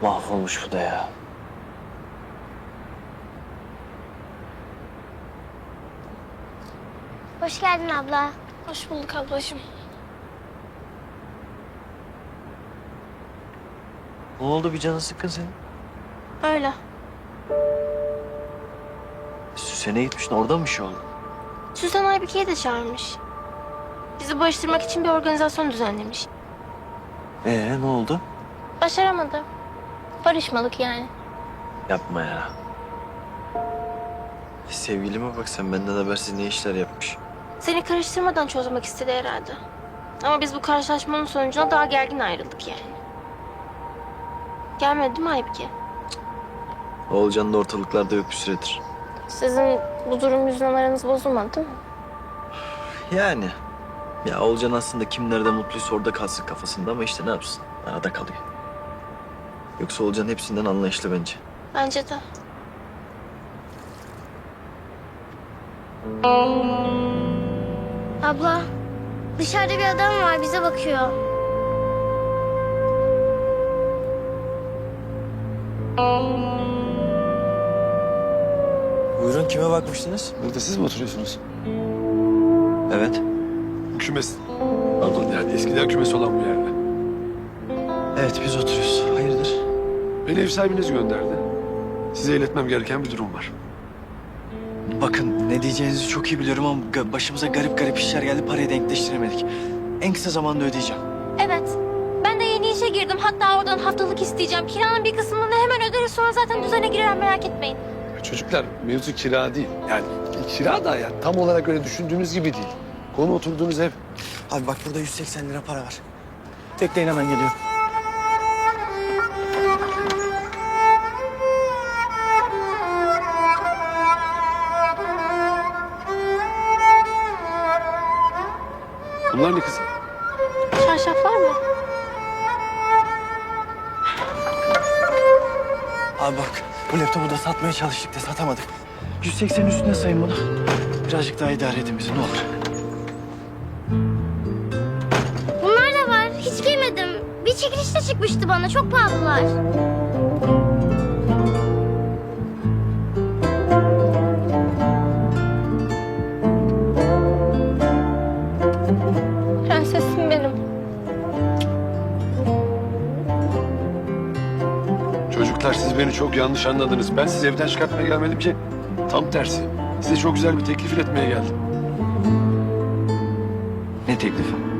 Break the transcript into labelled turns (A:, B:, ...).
A: Mahvolmuş bu da ya.
B: Hoş geldin abla.
C: Hoş bulduk ablacığım.
A: Ne oldu, bir canın sıkkın senin?
C: Öyle.
A: Süsen'e gitmiştin, orada mı bir şey oldu?
C: Süsen Aybike'yi de çağırmış. Bizi barıştırmak için bir organizasyon düzenlemiş.
A: Ne oldu?
C: Başaramadı. Barışmalık yani.
A: Yapma ya. Sevgilime bak sen, benden habersiz ne işler yapmış.
C: Seni karıştırmadan çözmek istedi herhalde. Ama biz bu karşılaşmanın sonucunda daha gergin ayrıldık yani. Gelmedi değil mi Aybike?
A: Oğulcan da ortalıklarda yok bir süredir.
C: Sizin bu durum yüzünden aranız bozulmadı değil mi?
A: Yani. Ya Oğulcan aslında kim nerede mutluysa orada kalsın kafasında ama işte ne yapsın? Arada kalıyor. Yoksa Oğulcan hepsinden anlayışlı bence.
C: Bence de.
B: Abla, dışarıda bir adam var bize bakıyor.
A: Buyurun, kime bakmıştınız?
D: Burada siz mi oturuyorsunuz?
A: Evet.
D: Kümes. Pardon, yani eskiden kümes olan bu yerde.
A: Evet, biz oturuyoruz. Hayırdır?
D: Beni ev sahibiniz gönderdi. Size iletmem gereken bir durum var.
A: Bakın, ne diyeceğinizi çok iyi biliyorum ama başımıza garip garip işler geldi, parayı denkleştiremedik. En kısa zamanda ödeyeceğim.
C: Evet. Ben de yeni işe girdim. Hatta oradan haftalık isteyeceğim. Kiranın bir kısmını hemen öderiz. Sonra zaten düzene girer, merak etmeyin.
D: Çocuklar, mevzu kira değil. Yani kira da yani tam olarak öyle düşündüğünüz gibi değil. Konu oturduğunuz ev.
A: Abi bak, burada 180 lira para var. Bekleyin, hemen geliyorum.
D: Bunlar ne kızım?
C: Çarşaflar mı?
A: Abi bak, bu laptopu da satmaya çalıştık da satamadık. 180 üstüne sayın bunu. Birazcık daha idare edin bizi, ne olur.
B: Bunlar da var. Hiç giymedim. Bir çekilişte çıkmıştı bana. Çok pahalılar.
C: Prensesim benim.
D: Çocuklar, siz beni çok yanlış anladınız. Ben sizi evden çıkartmaya gelmedim ki. Tam tersi. Size çok güzel bir teklif iletmeye geldim.
A: Ne teklifi?